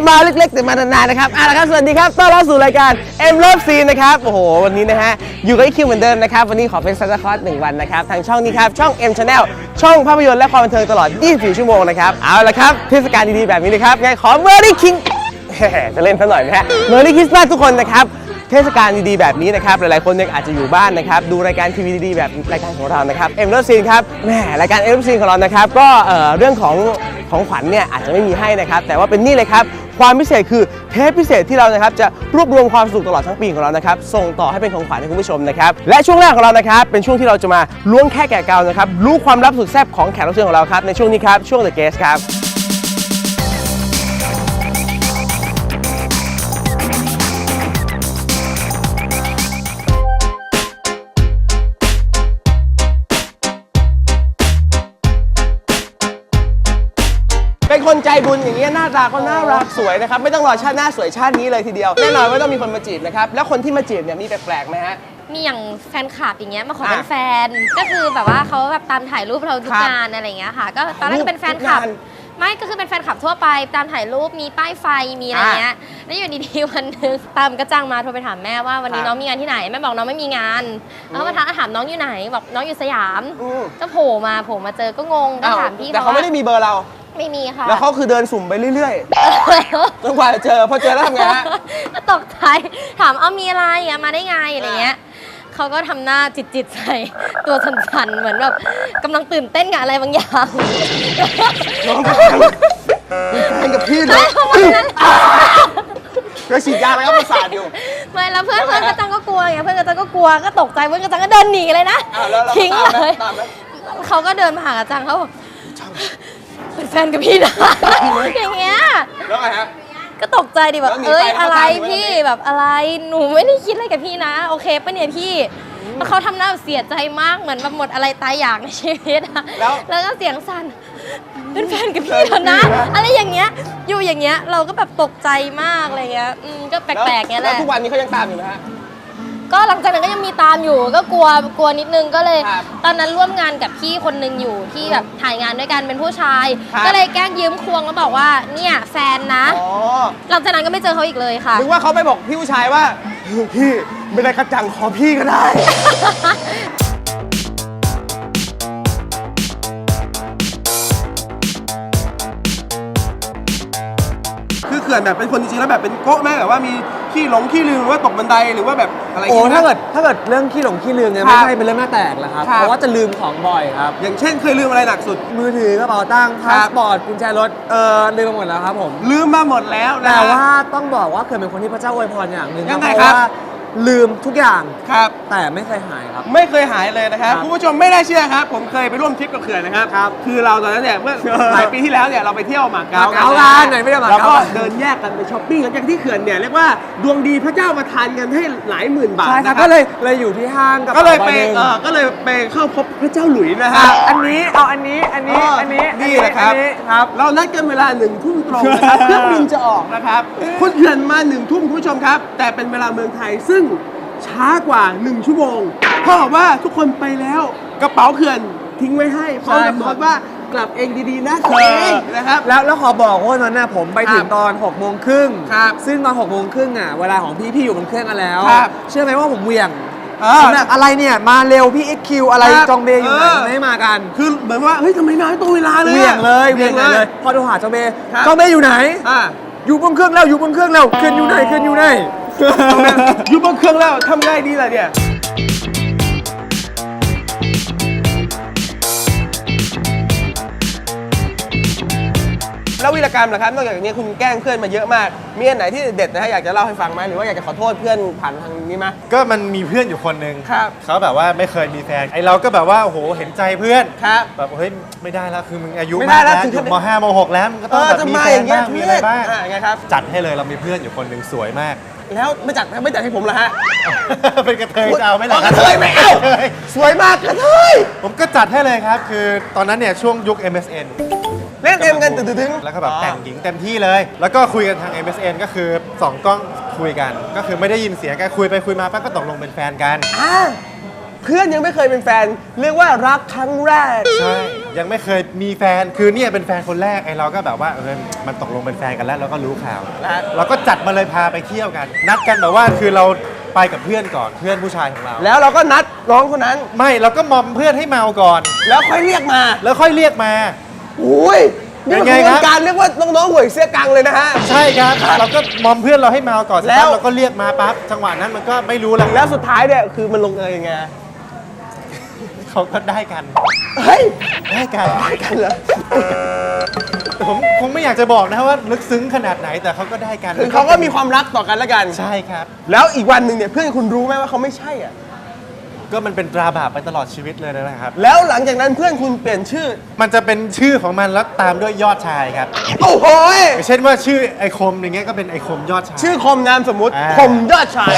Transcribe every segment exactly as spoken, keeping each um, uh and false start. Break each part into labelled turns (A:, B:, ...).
A: มาเล็กๆแต่มานานๆนะครับเอาละครับสวัสดีครับต้อนรับสู่รายการ M Love Scene นะครับโอ้โหวันนี้นะฮะอยู่กับไอคิวเหมือนเดิมนะครับวันนี้ขอเป็นซันตาคลอสหนึ่งวันนะครับทางช่องนี้ครับช่อง M Channel ช่องภาพยนตร์และความบันเทิงตลอดยี่สิบสี่ชั่วโมงนะครับเอาละครับเทศกาลดีๆแบบนี้นะครับไงขอ Merry King จะเล่นซะหน่อยไหมฮะ Merry Christmas ทุกคนนะครับเทศกาลดีๆแบบนี้นะครับหลายๆคนเนี่ยอาจจะอยู่บ้านนะครับดูรายการทีวีดีๆแบบรายการของเรานะครับ M Love Scene ครับแหมรายการ M Love Scene ของเรานะครับก็เอ่อเรื่องของของขวัญเนี่ยอาจจะไม่มีให้นะครับแต่ว่าเป็นนี่เลยครับความพิเศษคือเทปพิเศษที่เรานะครับจะรวบรวมความสุขตลอดทั้งปีของเรานะครับส่งต่อให้เป็นของขวัญให้คุณผู้ชมนะครับและช่วงแรกของเรานะครับเป็นช่วงที่เราจะมาล้วงแค่แกะเกานะครับรู้ความลับสุดแซ่บของแขกรับเชิญของเราครับในช่วงนี้ครับช่วง The Guest ครับเป็นคนใจบุญอย่างเงี้ยหน้าตาก็น่ารักสวยนะครับไม่ต้องรอชาติหน้าสวยชาตินี้เลยทีเดียวแน่นอนว่าต้องมีคนมาจีบนะครับแล้วคนที่มาจีบเนี่ยมีแปลกๆไหมฮะ
B: มีอย่างแฟนคลับอย่างเงี้ยมาขอเป็นแฟนก็คือแบบว่าเขาแบบตามถ่ายรูปเราทุกงานอะไรอย่างเงี้ยค่ะก็ตอนแรกก็เป็นแฟนคลับไม่ก็คือเป็นแฟนคลับทั่วไปตามถ่ายรูปมีป้ายไฟมีอะไรเงี้ยแล้วอยู่ดีๆวันนึงตามก็จ้างมาโทรไปถามแม่ว่าวันนี้น้องมีงานที่ไหนแม่บอกน้องไม่มีงานแล้วมาถามน้องอยู่ไหนบอกน้องอยู่สยามก็โผล่มาโผล่มาเจอก็งงก็ถามพี่เขา
A: แต่เขาไม่ได้มีเบอร์เรา
B: ไม่มีค่ะ
A: แล้วเขาคือเดินสุ่มไปเรื่อยๆจนกว่าจะเจอพอเจอแล้วทำไงฮะ
B: ก็ตกใจถามเอามีอะไรอ่ะมาได้ไงอะไรเงี้ยเขาก็ทำหน้าจิตๆใส่ตัวสั่นๆเหมือนแบบกำลังตื่นเต้นกับอะไรบางอย่าง
A: น้องเป็นแฟนกับพี่เลยก็ฉีดยาแล้วก็ประสาทอยู่
B: ไม่แล้วเพื่อนเพื่อนกระจังก็กลัวไงเพื่อนกระจังก็กลัวก็ตกใจเพื่อนกระจังก็เดินหนีเลยนะทิ้งเลยเขาก็เดินมาหากระจังเขาบอกเป็นแฟนกับพี่นะอย่างเงี้ย
A: แล้วไงฮะ
B: ก็ตกใจดิแบบเอ้ยอะไรพี่แบบอะไรหนูไม่ได้คิดอะไรกับพี่นะโอเคปะเนี่ยพี่แล้วเขาทำหน้าเสียใจมากเหมือนแบบหมดอะไรตายอยากในชีวิตอะแล้วก็เสียงสั่นเป็นแฟนกับพี่แล้วนะอะไรอย่างเงี้ยอยู่อย่างเงี้ยเราก็แบบตกใจมากอะไรเงี้ยอืมก็แปลกๆเงี้ยแหละ
A: แล้วทุกวันนี้เขายังตามอยู่ไหมฮะ
B: ก็หลังจากนั้นก็ยังมีตามอยู่ก็กลัวกลัวนิดนึงก็เลยตอนนั้นร่วมงานกับพี่คนนึงอยู่ที่แบบถ่ายงานด้วยกันเป็นผู้ชายก็เลยแกล้งยืมควงแล้วบอกว่าเนี่ยแฟนนะหลังจากนั้นก็ไม่เจอเขาอีกเลยค่ะ
A: นึกว่าเขาไปบอกพี่ผู้ชายว่าพี่ไม่ได้กระจังขอพี่ก็ได้คือเขื่อนแบบเป็นคนจริงๆแล้วแบบเป็นโก๊ะแม่แบบว่ามีขี้หลงขี้ลืมหรือว่าตกบันไดหรือว่าแบบอะไร
C: โอ้ถ้าเกิดถ้าเกิดเรื่องขี้หลงขี้ลืมเนี่ยไม่ใช่เป็นเรื่องหน้าแตกแล้วครับเพราะว่าจะลืมของบ่อยครับ
A: อย่างเช่นเคยลืมอะไรหนักสุด
C: มือถือกระเป๋าตังค์พาสปอร์ตกุญแจรถเออลืมมาหมดแล้วครับผม
A: ลืมมาหมดแล้ว
C: แต่ว่าต้องบอกว่าเคยเป็นคนที่พระเจ้าอวยพรอย่างหนึ่ง
A: ยังไง
C: ครับลืมทุกอย่าง
A: ครับ
C: แต่ไม่เคยหายครับ
A: ไม่เคยหายเลยนะครับคุณผู้ชมไม่ได้เชื่อครับผมเคยไปร่วมทริปกับเขื่อนนะครับ
C: ครับ
A: คือเราตอนนั้นเนี่ยเมื่อหลายปีที่แล้วเนี่ยเราไปเที่ยวหมาเก๊า
C: กันกันไหนไม่ได้หมาเก๊า
A: เราก็เดินแยกกันไปช้อปปิ้งกันอย่างที่เขื่อนเนี่ยเรียกว่าดวงดีพระเจ้าประทานเงินให้หลายหมื่นบาทนะครับ
C: ก็เลยเลยอยู่ที่ห้างกับ
A: ก็เลยไปเออก็เลยไปเข้าพบพระเจ้าหลุยนะฮะ
C: อันนี้เอาอันนี้อันนี้อันนี้
A: นี่แหละครับครับเรานัดกันเวลาหนึ่งทุ่มตรงนะครับเครื่องบินจะออกนะครับคุณเขื่อนมาหนึ่งทุ่มคุณผู้ชมครับแต่เป็นเวลาเมืองไทยซึ่งช้ากว่าหนึ่งชั่วโมงเพราะว่าทุกคนไปแล้วกระเป๋าเขื่อนทิ้งไว้ให้พร้อมกับบอกว่ากลับเองดีๆนะเองนะครับ
C: แล้วแล้วขอบอกว่าตอนนั้นผมไปถึงตอนหกโมงครึ่งซึ่งตอนหกโมงครึ่งอ่ะเวลาของพี่พี่อยู่บนเครื่องกันแล้วเชื่อไหมว่าผมเหวี่ยงแบบอะไรเนี่ยมาเร็วพี่เอ็กคิวอะไรจองเบย์อยู่ไหนไม่มากัน
A: คือเหมือนว่าเฮ้ยทำไมนายตัวเวลาเลย
C: เหวี่ยงเลยเหวี่ยงเลยพอโทรหาจองเบย์จองเบย์อยู่ไหนอยู่บนเครื่องแล้วอยู่บนเครื่องแล้วเครื่องอยู่ไหนเครื่องอยู่ไหน
A: อยู่บนเครื่องแล้วทำไงดีล่ะเนี่ยแล้ววีรกรรมล่ะครับนอกจากนี้คุณแกล้งเพื่อนมาเยอะมากมีอันไหนที่เด็ดนะฮะอยากจะเล่าให้ฟังไหมหรือว่าอยากจะขอโทษเพื่อนผ่านทางนี้ไหม
D: ก็มันมีเพื่อนอยู่คนหนึ่ง
A: ครับ
D: เขาแบบว่าไม่เคยมีแฟนไอเราก็แบบว่าโอ้โหเห็นใจเพื่อน
A: ครับ
D: แบบเฮ้ยไม่ได้แล้วคือมึงอายุมากแล้วถึงม.ห้าม.หกแล้วมึงก็ต้องแบบมีแฟนบ้างมีอะไรบ้าง
A: ไงครับ
D: จัดให้เลยเรามีเพื่อนอยู่คนหนึ่งสวยมาก
A: แล้วไม่จัดไม่จัดให้ผมเหรอฮะ
D: เป็นกระเทยจะเอาไม่หรอก
A: ระเทยไม่เอาสวยมากกระเทย
D: ผมก็จัดให้เลยครับคือตอนนั้นเนี่ยช่วงยุค เอ็ม เอส เอ็น
A: เล่นเกมกันตึ้งๆ
D: แล้วก็แบบแต่งหญิงเต็มที่เลยแล้วก็คุยกันทาง เอ็ม เอส เอ็น ก็คือสองกล้องคุยกันก็คือไม่ได้ยินเสียงกันคุยไปคุยมาปั๊บก็ตกลงเป็นแฟนกัน
A: เพื่อนยังไม่เคยเป็นแฟนเรียกว่ารักครั้งแรก
D: ใช่ยังไม่เคยมีแฟนคือเนี่ยเป็นแฟนคนแรกไอ้เราก็แบบว่าเออมันตกลงเป็นแฟนกันแล้วเราก็รู้ข่าวเราก็จัดมาเลยพาไปเที่ยวกัน นัดกันแบบว่าคือเราไปกับเพื่อนก่อนเพื่อนผู้ชายของเรา
A: แล้วเราก็นัดน้องคนนั้น
D: ไม่เราก็มอมเพื่อนให้เมาก่อน
A: แล้วค่อยเรียกมา
D: แล้วค่อยเรียกมา
A: อุ้ยนี่
D: ยัง
A: คื
D: ไง
A: อก
D: ค
A: ระ
D: รั
A: บบ วนการเรียกว่าน้องๆหวยเสื้อกังเลยนะฮะ
D: ใช่ครับเราก็มอมเพื่อนเราให้เมาก่อน
A: แล้ว
D: เราก็เรียกมาปั๊บจังหวะนั้นมันก็ไม่รู้แล้ว
A: แล้วสุดท้ายเนี่ยคือมันลงเอยยังไง
D: เขาก็ได้กัน
A: เฮ้ย
D: ได้กัน
A: ได้กันเหรอ
D: แต่ผมคงไม่อยากจะบอกนะว่าลึกซึ้งขนาดไหนแต่เขาก็ได้กัน
A: คือเขาก็มีความรักต่อกันแล้วกัน
D: ใช่ครับ
A: แล้วอีกวันหนึ่งเนี่ยเพื่อนคุณรู้ไหมว่าเขาไม่ใช่อ่ะ
D: ก็มันเป็นตราบาปไปตลอดชีวิตเลยนะครับ
A: แล้วหลังจากนั้นเพื่อนคุณเปลี่ยนชื่อ
D: มันจะเป็นชื่อของมันแล้วตามด้วยยอดชายครับ
A: โอ้โหย
D: เช่นว่าชื่อไอคมอย่างเงี้ยก็เป็นไอคมยอดชาย
A: ชื่อคมนามสมมุติ
D: อ่า
A: คมยอดชาย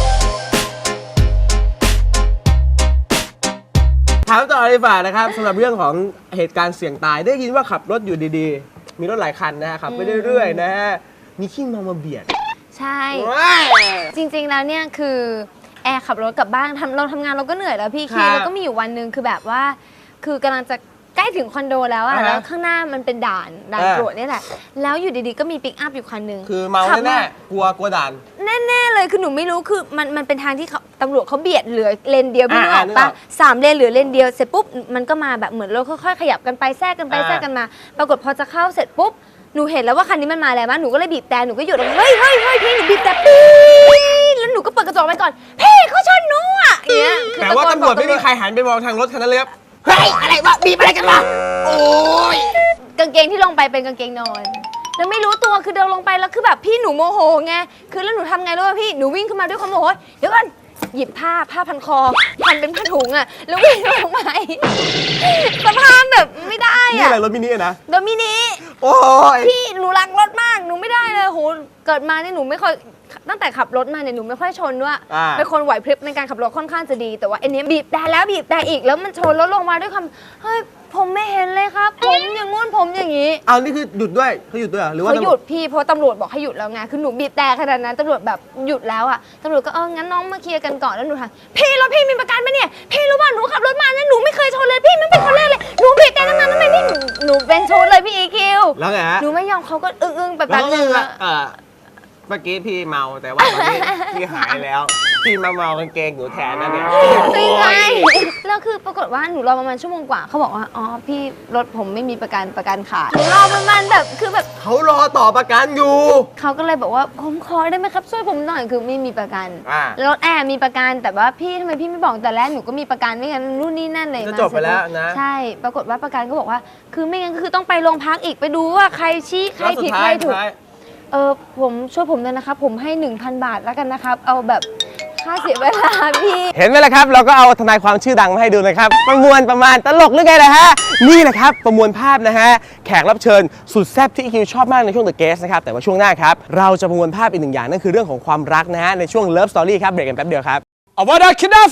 A: ถามต่อเลยดีกว่านะครับสำหรับเรื่องของเหตุการณ์เสี่ยงตายได้ยินว่าขับรถอยู่ดีๆ มีรถหลายคันนะฮะขับไปเรื่อยๆนะฮะมีขี้เมามาเบียด
B: ใช่
A: ว้าย
B: จริงๆ แล้วเนี่ยคือแอร์ขับรถกลับบ้านทำเราทำงานเราก็เหนื่อยแล้วพี่
A: ครั
B: คี
A: บ
B: แล้วก็มีอยู่วันหนึ่งคือแบบว่า คือกำลังจะใกล้ถึงคอนโดแล้วอะ
A: อ่าฮะ
B: แล้วข้างหน้ามันเป็นด่านด่าน
A: อ่า
B: ตรวจนี่แหละ แล้วอยู่ดีๆ ก็มีปิกอัพอยู่คันหนึ่ง
A: คือเมา
B: ขับ
A: แน่ๆกลัวกลัวด่าน
B: แน่ๆเลยคือหนูไม่รู้คือมันมันเป็นทางที่เขาตำรวจเขาเบียดเหลือเลนเดียวพี่นึกอ
A: อ่า
B: อก
A: นึกอ
B: ปะ
A: อก
B: สามเลนเหลือเลนเดียวเสร็จปุ๊บมันก็มาแบบเหมือนรถค่อยๆขยับกันไปแทรกกันไป
A: อ่า
B: แทรกกันมา ปรากฏพอจะเข้าเสร็จปุ๊บหนูเห็นแล้วว่าคันนี้มันมาแล้วมั้ยหนูก็เลยบีบแต่หนูก็หยุดแล้วเฮ้ยเฮ้ยเฮ้ยพี่หนูบีบแต่ปี๊ดแล้วหนูก็เปิดกระจกไปก่อนพี่เขาชนหนูอ่ะอย่างเงี้ยคือ
A: แต่ว่า
B: ะโกน
A: ตำรวจ
B: บอก
A: ไม่มีใครหันไปมองทางรถคันนั้นเลยครับเฮ้ยอะไรวะบีบอะไรกันวะโอ้ย
B: กางเกงที่ลงไปเป็นกางเกงนอนแล้วไม่รู้ตัวคือเดินลงไปแล้วคือแบบพี่หนูโมโหไงคือแล้วหนูทำไงรู้ป่ะพี่หนูวิ่งขึ้นมาด้วยความโมโหเดี๋ยวก่อนหยิบผ้าผ้าพันคอพันเป็นผ้าถุงอ่ะแล้ววิ่งลงไปสภาพแบบไม่ได้
A: นี่
B: อ่ะ
A: อะไรรถมินิอะนะ
B: โดมินิ
A: โอ้ย
B: พี่หนูรักรถมากหนูไม่ได้เลยโหเกิดมาเนี่ยหนูไม่ค่อยตั้งแต่ขับรถมาเนี่ยหนูไม่ค่อยชนด้วย
A: อ่า
B: เป็นคนไหวพริบในการขับรถค่อนข้างจะดี แต่ว่าอันเนี้ยบีบแต่แล้วบีบแต่อีกแล้วมันชนรถลงมาด้วยคำเฮ้ยผมไม่เห็นเลยครับ ผมอย่างงู้นผมอย่างนี้
A: เอานี่คือหยุดด้วยเขาหยุดด้วยเหรอหรือว่า
B: เขาหยุดพี่เพราะตำรวจบอกให้หยุดแล้วไงคือหนูบีบแต่ขนาดนั้นตำรวจแบบหยุดแล้วอ่ะตำรวจก็เอองั้นน้องมาเคลียร์กันก่อนแล้วหนูถามพี่รถพี่มีประกันไหมเนี่ยพี่รู้ป่ะหนูขับรถมาเนี่ยหนูไม่เคยชนเลยพี่ไม่เป็นคนแรกเลยหนูบีบแต่ตั้งนานทำไมพี่หนูเป็นชุดเลยพี่อีคิว
A: แล้วไงฮะ
B: หนูไม่ยอมเขาก็อึ้งๆแบบ
A: แล้
B: แป๊
A: ว
B: บ
A: ก็
B: นึง
A: คือ
B: อะ
A: เออเมื่อกี้พี่เมาแต่ว่าตอนนี้ พี่หายแล้ว พี่มาเมากางเกงหนูแทนนั่นเนี่ย
B: ไม่ใช่แล้วคือปรากฏว่าหนูรอประมาณชั่วโมงกว่าเขาบอกว่าอ๋อพี่รถผมไม่มีประกันประกันขาดหนูรอประมาณแบบคือแบบ
A: เขารอต่อประกันอยู่
B: เขาก็เลยบอกว่าผมขอได้ไหมครับช่วยผมหน่อยคือไม่มีประกัน
A: อ่า
B: รถแอร์มีประกันแต่ว่าพี่ทำไมพี่ไม่บอกแต่แรกหนูก็มีประกันไม่งั้นนู่นนี่นั่นเลย
A: จะ
B: มา
A: จบไปแล้วนะ
B: ใช่ปรากฏว่าประกันก็บอกว่า คือไม่งั้นก็คือต้องไปโรงพักอีกไปดูว่าใครชี้ใคร
A: แล้วสุ
B: ผิ
A: ด
B: ด
A: ท้า
B: ใค
A: ย
B: รถู
A: สุด
B: ก
A: ท้าย
B: เออผมช่วยผมเลยนะครับผมให้ หนึ่งพัน บาทแล้วกันนะครับเอาแบบค่าเสียเวลาพี่
A: เห็นไหมล่ะครับ เราก็เอาทนายความชื่อดังมาให้ดูนะครับ ประมวลประมาณตลกหรือไงนะฮะ นี่แหละครับ ประมวลภาพนะฮะ แขกรับเชิญสุดแซ่บที่อีคิวชอบมากในช่วง The Guest นะครับ แต่ว่าช่วงหน้าครับ เราจะประมวลภาพอีกหนึ่งอย่าง นั่นคือเรื่องของความรักนะฮะ ในช่วง Love Story ครับ เบรกกันแป๊บเดียวครับอวดาคิดา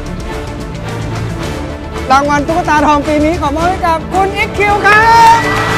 A: ฟราร
C: างวัลตุ๊กตาทองปีนี้ขอมอบให้กับคุณ อี คิว ครับ